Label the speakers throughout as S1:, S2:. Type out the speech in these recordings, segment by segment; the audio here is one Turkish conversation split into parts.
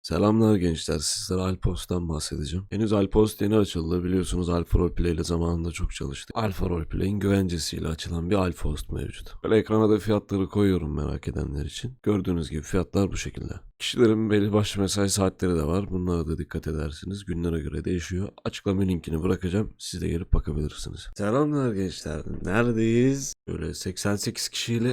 S1: Selamlar gençler, sizlere Alpost'tan bahsedeceğim. Henüz Alpost yeni açıldı, biliyorsunuz Alfa Roleplay ile zamanında çok çalıştık. Alfa Roleplay'in güvencesiyle açılan bir Alpost mevcut. Böyle ekrana da fiyatları koyuyorum merak edenler için. Gördüğünüz gibi fiyatlar bu şekilde. Kişilerin belli başlı mesai saatleri de var, bunlara da dikkat edersiniz. Günlere göre değişiyor. Açıklama linkini bırakacağım, siz de gelip bakabilirsiniz. Selamlar gençler, neredeyiz? Böyle 88 kişiyle...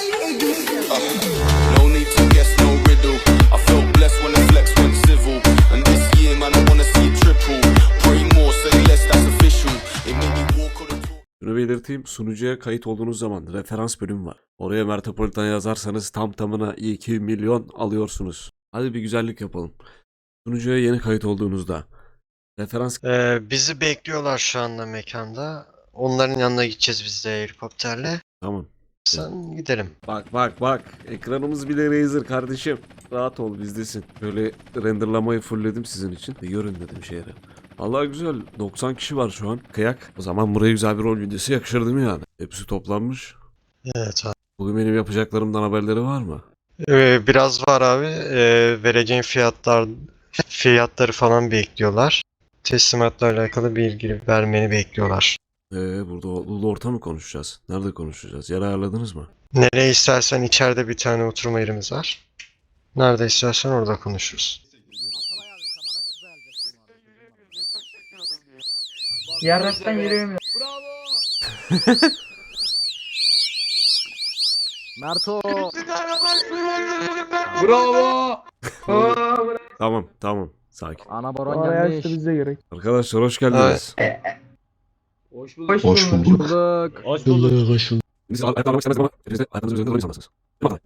S2: No need to guess, no riddle. I felt blessed when the flex went civil. And this year, man, I wanna see it triple. Pray more, say less, that's official. It made me walk on the talk.
S1: Şunu belirteyim, sunucuya kayıt olduğunuz zaman referans bölüm var. Oraya Mertopolitan yazarsanız tam tamına 2 milyon alıyorsunuz. Hadi bir güzellik yapalım. Sunucuya yeni kayıt olduğunuzda referans...
S3: Bizi bekliyorlar şu anda mekanda. Onların yanına gideceğiz biz de helikopterle.
S1: Tamam.
S3: Sen gidelim.
S1: Bak. Ekranımız bile Razer kardeşim. Rahat ol, bizdesin. Böyle renderlamayı fullledim sizin için. Görün dedim şehre. Allah güzel. 90 kişi var şu an. Kıyak. O zaman buraya güzel bir rol videosu yakışır değil mi yani? Hepsi toplanmış.
S3: Evet abi.
S1: Bugün benim yapacaklarımdan haberleri var mı?
S3: Biraz var abi. Vereceğin fiyatları falan bekliyorlar. Teslimatla alakalı bilgi vermeni bekliyorlar.
S1: Burada Ulu Orta mı konuşacağız? Nerede konuşacağız? Yer ayarladınız mı?
S3: Nereye istersen içeride bir tane oturma yerimiz var. Nerede istersen orada konuşuruz.
S4: Yarraktan yürüyemiyor.
S5: Merto.
S4: Bravo.
S1: Tamam. Sakin.
S5: Ana baron
S4: Aa,
S5: gelmiş.
S4: işte bize gerek.
S1: Arkadaşlar hoş geldiniz.
S4: Hoş
S6: Hoş
S4: bulduk.
S6: bulduk.
S5: Bulduk.
S6: Hoş bulduk. Hoş bulduk.
S1: Biz ayaklanmak istemez ama hepiniz de ayaklarınızın üzerinde durmayı sanırsınız.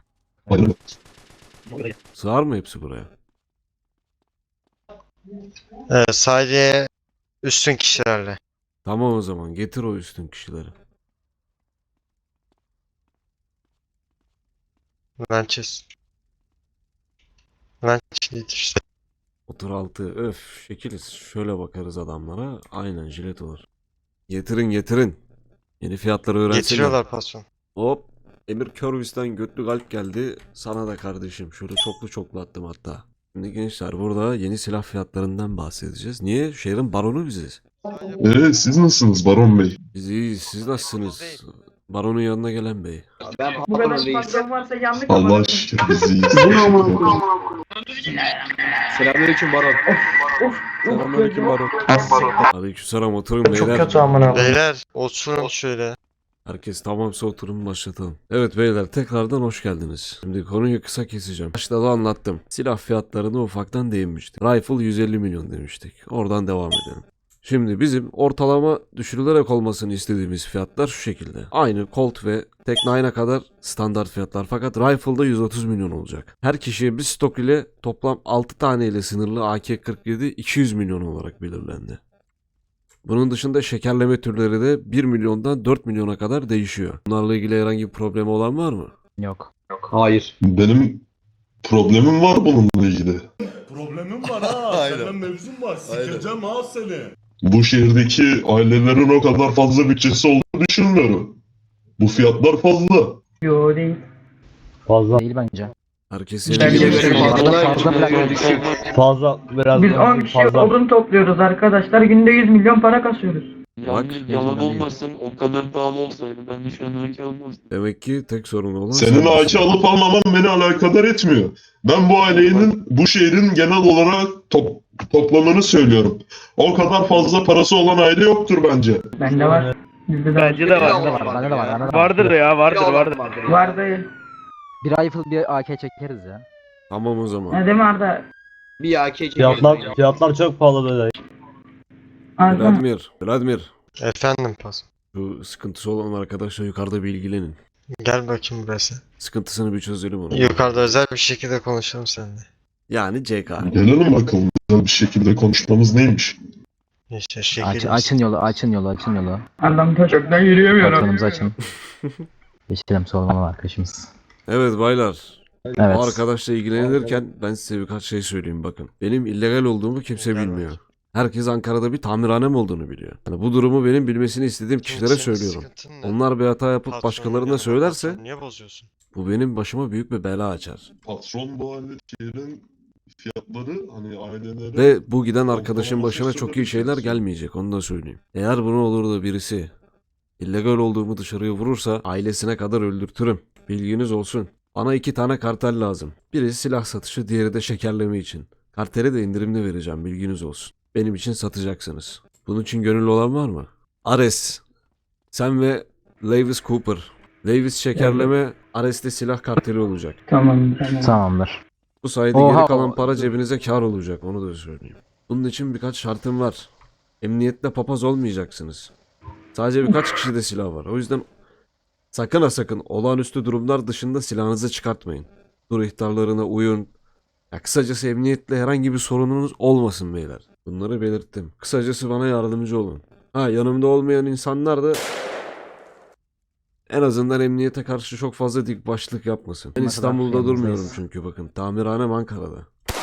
S1: Sığar mı hepsi buraya?
S3: Sadece üstün kişilerle.
S1: Tamam o zaman getir o üstün kişileri.
S3: Lançes işte.
S1: Otur altı öf şekiliz. Şöyle bakarız adamlara. Aynen jilet olur. Getirin. Yeni fiyatları öğrensinler.
S3: Getiriyorlar patron.
S1: Hop. Emir Körvis'ten götlü galp geldi. Sana da kardeşim. Şöyle çoklu attım hatta. Şimdi gençler burada yeni silah fiyatlarından bahsedeceğiz. Niye? Şehrin baronu biziz.
S6: Siz nasılsınız Baron Bey?
S1: Biz iyiyiz. Siz nasılsınız? Baronun yanına gelen bey.
S4: Bu kadar patron varsa yanlış
S6: Allah
S4: ama.
S6: aşkına biz iyiyiz.
S7: Selamünaleyküm Baron.
S4: Of.
S7: Selamünaleyküm Baron.
S1: Aleykümselam oturun beyler.
S4: Çok kötü amına.
S3: Beyler oturun şöyle.
S1: Herkes tamamsa oturun başlatalım. Evet beyler tekrardan hoş geldiniz. Şimdi konuyu kısa keseceğim. Başta da anlattım. Silah fiyatlarını ufaktan değinmiştik. Rifle 150 milyon demiştik. Oradan devam edelim. Şimdi bizim ortalama düşürülerek olmasını istediğimiz fiyatlar şu şekilde. Aynı Colt ve Tec-9'a kadar standart fiyatlar fakat Rifle'da 130 milyon olacak. Her kişiye bir stok ile toplam 6 tane ile sınırlı AK-47 200 milyon olarak belirlendi. Bunun dışında şekerleme türleri de 1 milyondan 4 milyona kadar değişiyor. Bunlarla ilgili herhangi bir problemi olan var mı?
S5: Yok.
S7: Hayır.
S6: Benim problemim var bununla ilgili.
S8: Problemim var ha. Senden mevzum var. Sikeceğim ha seni.
S6: Bu şehirdeki ailelerin o kadar fazla bütçesi olduğunu düşünmüyorum. Bu fiyatlar fazla.
S4: Yo değil.
S5: Değil bence.
S1: Herkes
S4: Ben
S1: yerine
S4: de
S1: gelirse
S5: Fazla biraz
S4: Biz 10 kişi odun topluyoruz arkadaşlar. Günde 100 milyon para kasıyoruz.
S1: Bak.
S9: Yalan olmasın, o kadar pahalı olsaydı ben de şu an AK almazdım.
S1: Demek ki tek sorun olan
S6: Senin
S1: sen
S6: AK
S1: misin.
S6: alıp almaman beni alakadar etmiyor. Ben bu ailenin, bu şehrin genel olarak toplamını söylüyorum. O kadar fazla parası olan aile yoktur bence.
S4: Bende var. Bizde de var.
S7: Bence de var.
S5: Bende de var.
S7: Vardır ya, vardır.
S4: Var değil.
S5: Bir rifle bir AK çekeriz ya.
S1: Tamam o zaman.
S4: Ne değil mi Arda?
S7: Bir AK çekelim.
S5: Fiyatlar çok pahalı böyle.
S4: Arda.
S1: Vladimir.
S3: Efendim patron.
S1: Şu sıkıntısı olan arkadaşla yukarıda bir ilgilenin.
S3: Gel bakayım burası.
S1: Sıkıntısını bir çözelim onu.
S3: Yukarıda özel bir şekilde konuşalım seninle.
S1: Yani CK.
S6: Gelelim bakalım güzel bir şekilde konuşmamız neymiş?
S3: İşte şekil.
S5: Açın yolu.
S4: Arda'm taşaktan yürüyemiyor.
S5: Patronumuzu açın. Geçelim sormalı arkadaşımız.
S1: Evet baylar.
S5: Evet.
S1: O arkadaşla ilgilenirken ben size birkaç şey söyleyeyim bakın. Benim illegal olduğumu kimse
S3: Gel
S1: bilmiyor.
S3: bak.
S1: Herkes Ankara'da bir tamirhanem olduğunu biliyor. Yani bu durumu benim bilmesini istediğim kişilere
S3: Senin
S1: söylüyorum.
S3: sıkıntın ne?
S1: Onlar bir hata yapıp
S3: Patronun
S1: başkalarına
S3: yanında
S1: söylerse
S3: patron niye bozuyorsun?
S1: bu benim başıma büyük bir bela açar.
S6: Patron bu aile şehrin fiyatları hani ailelere...
S1: Ve bu giden arkadaşın başına çok iyi şeyler gelmeyecek, onu da söyleyeyim. Eğer bunu olur da birisi illegal olduğumu dışarıya vurursa ailesine kadar öldürtürüm. Bilginiz olsun. Bana 2 tane kartel lazım. Biri silah satışı, diğeri de şekerleme için. Kartele de indirimli vereceğim, bilginiz olsun. Benim için satacaksınız. Bunun için gönüllü olan var mı? Ares, sen ve Lewis Cooper. Lewis şekerleme, Ares'te silah karteli olacak.
S4: Tamam.
S5: Tamamdır.
S1: Bu sayede
S5: Oha,
S1: geri kalan para cebinize kar olacak, onu da söyleyeyim. Bunun için birkaç şartım var. Emniyette papaz olmayacaksınız. Sadece birkaç kişide silah var. O yüzden sakın ha sakın olağanüstü durumlar dışında silahınızı çıkartmayın. Dur ihtarlarına uyun. Ya kısacası emniyetle herhangi bir sorununuz olmasın beyler. Bunları belirttim. Kısacası bana yardımcı olun. Ha, yanımda olmayan insanlar da en azından emniyete karşı çok fazla dik başlık yapmasın. Ben
S5: Ne kadar
S1: İstanbul'da durmuyorum
S5: yanınızdayız.
S1: çünkü bakın. Tamirhanem Ankara'da.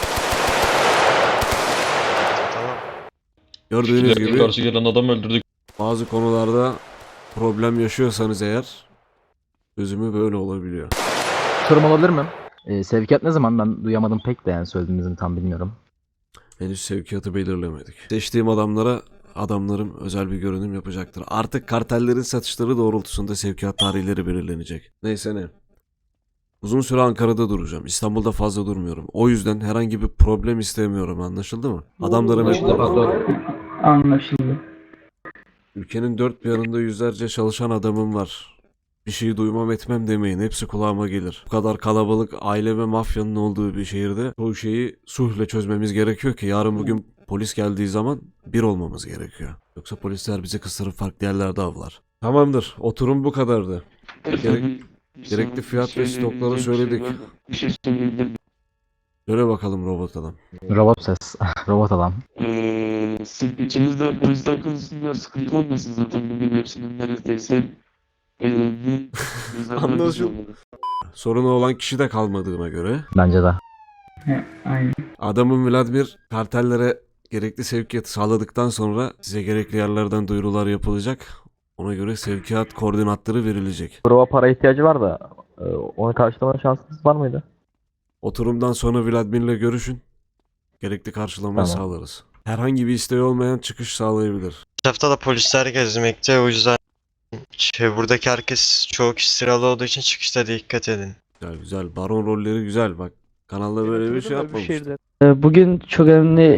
S3: Tamam.
S1: Gördüğünüz gibi
S9: Karşı gelen adam öldürdük.
S1: bazı konularda problem yaşıyorsanız eğer çözümü böyle olabiliyor.
S5: Sorum olabilir mi? Sevkiyat ne zaman? Ben duyamadım pek de, yani söylediğinizi tam bilmiyorum.
S1: Henüz sevkiyatı belirlemedik. Seçtiğim adamlarım özel bir görünüm yapacaktır. Artık kartellerin satışları doğrultusunda sevkiyat tarihleri belirlenecek. Neyse ne. Uzun süre Ankara'da duracağım. İstanbul'da fazla durmuyorum. O yüzden herhangi bir problem istemiyorum, anlaşıldı mı? Adamlarım
S4: Anlaşıldı.
S1: ülkenin dört bir yanında yüzlerce çalışan adamım var. Bir şey duymam etmem demeyin. Hepsi kulağıma gelir. Bu kadar kalabalık aile ve mafyanın olduğu bir şehirde çoğu şeyi sulhla çözmemiz gerekiyor ki yarın bugün polis geldiği zaman bir olmamız gerekiyor. Yoksa polisler bizi kısırıp farklı yerlerde avlar. Tamamdır. Oturum bu kadardı. Gerekli fiyat ve stokları söyledik.
S9: Bir şey söyleyebilir miyim?
S1: Söyle bakalım robot adam.
S5: Robot ses. Robot adam.
S9: Siz içinizde polisler konusunda sıkıntı olmasın zaten bugün hepsinin neredeyse önemli
S1: Anlaşıldı. Sorunu olan kişi de kalmadığına göre
S5: Bence de.
S4: Aynen.
S1: adamın Vladimir kartellere gerekli sevkiyatı sağladıktan sonra size gerekli yerlerden duyurular yapılacak. Ona göre sevkiyat koordinatları verilecek.
S5: Prova para ihtiyacı var da onu karşılama şansınız var mıydı?
S1: Oturumdan sonra Vladimir'le görüşün. Gerekli karşılamayı
S5: Tamam.
S1: sağlarız. Herhangi bir isteği olmayan çıkış sağlayabilir.
S3: Etrafta da polisler gezmekte, o yüzden buradaki herkes, çoğu kişi sıralı olduğu için çıkışta dikkat edin.
S1: Güzel güzel. Baron rolleri güzel. Bak kanalda böyle bir şey yapmamıştım.
S10: Bugün çok önemli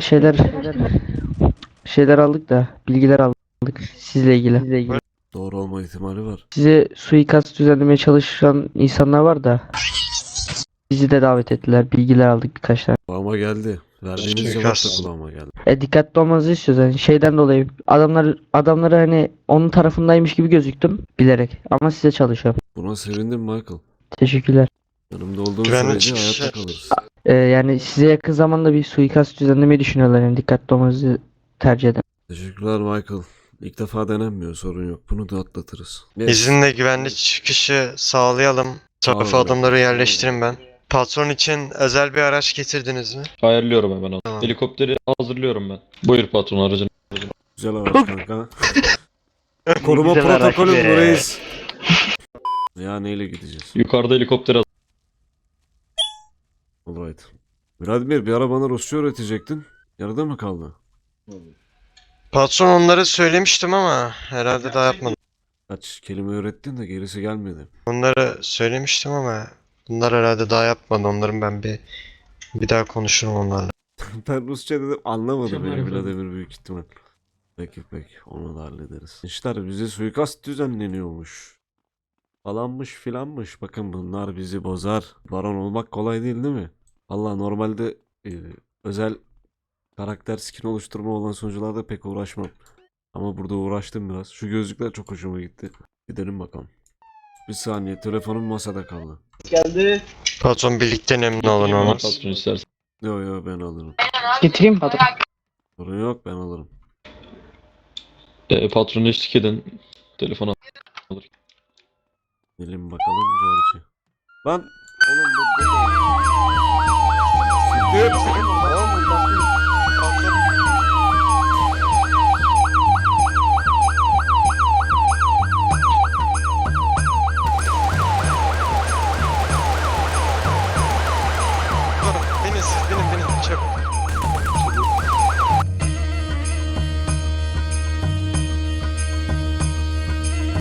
S10: şeyler aldık da, bilgiler aldık sizle ilgili.
S1: Doğru olma ihtimali var.
S10: Size suikast düzenlemeye çalışan insanlar var da bizi de davet ettiler. Bilgiler aldık birkaç tane.
S1: Kulağıma geldi. Verdiğiniz cevap da
S3: Suikast.
S1: kulağıma geldi.
S10: Dikkatli olmanızı istiyoruz. Yani şeyden dolayı adamları hani onun tarafındaymış gibi gözüktüm bilerek. Ama size çalışıyorum.
S1: Buna sevindim Michael.
S10: Teşekkürler.
S1: Yanımda olduğun
S3: Güvenli
S1: sürece
S3: çıkış.
S1: hayatta kalırız.
S10: Yani size yakın zamanda bir suikast düzenlemeyi düşünüyorlar. Yani dikkatli olmanızı tercih ederim.
S1: Teşekkürler Michael. İlk defa denenmiyor, sorun yok. Bunu da atlatırız. Yes.
S3: İzinle güvenli çıkışı sağlayalım. Tarafa
S1: Sağ olun.
S3: adamları yerleştirin ben. Patron için özel bir araç getirdiniz mi?
S9: Ayarlıyorum hemen onu.
S3: Tamam.
S9: Helikopteri hazırlıyorum ben. Buyur patron aracını.
S1: Güzel araç kanka. Koruma protokolü bu reis. Ya neyle gideceğiz?
S9: Yukarıda helikopter hazır.
S1: Alright. Vladimir bir ara bana Rusça öğretecektin. Yarıda mı kaldı?
S3: Patron onları söylemiştim ama herhalde daha yapmadım.
S1: Kaç kelime öğrettin de gerisi gelmedi.
S3: Onları söylemiştim ama bunlar herhalde daha yapmadı. Onların ben bir daha konuşurum onlarla.
S1: Ben Rusça dedim anlamadı beni Vladimir büyük ihtimal. Peki onu da hallederiz. İşler bize suikast düzenleniyormuş. Falanmış filanmış. Bakın bunlar bizi bozar. Baron olmak kolay değil mi? Valla normalde özel karakter skin oluşturma olan sunucularda pek uğraşmam. Ama burada uğraştım biraz. Şu gözlükler çok hoşuma gitti. Gidelim bakalım. Bir saniye telefonum masada kaldı.
S3: Patron birlikte memnun olun olmaz.
S9: Patron istersen.
S1: Yo ben alırım.
S10: Getireyim patron.
S1: Sorun yok ben alırım.
S9: Patronu eşlik edin. Telefona.
S1: Gelin bakalım George. Lan oğlum bu. Siktir.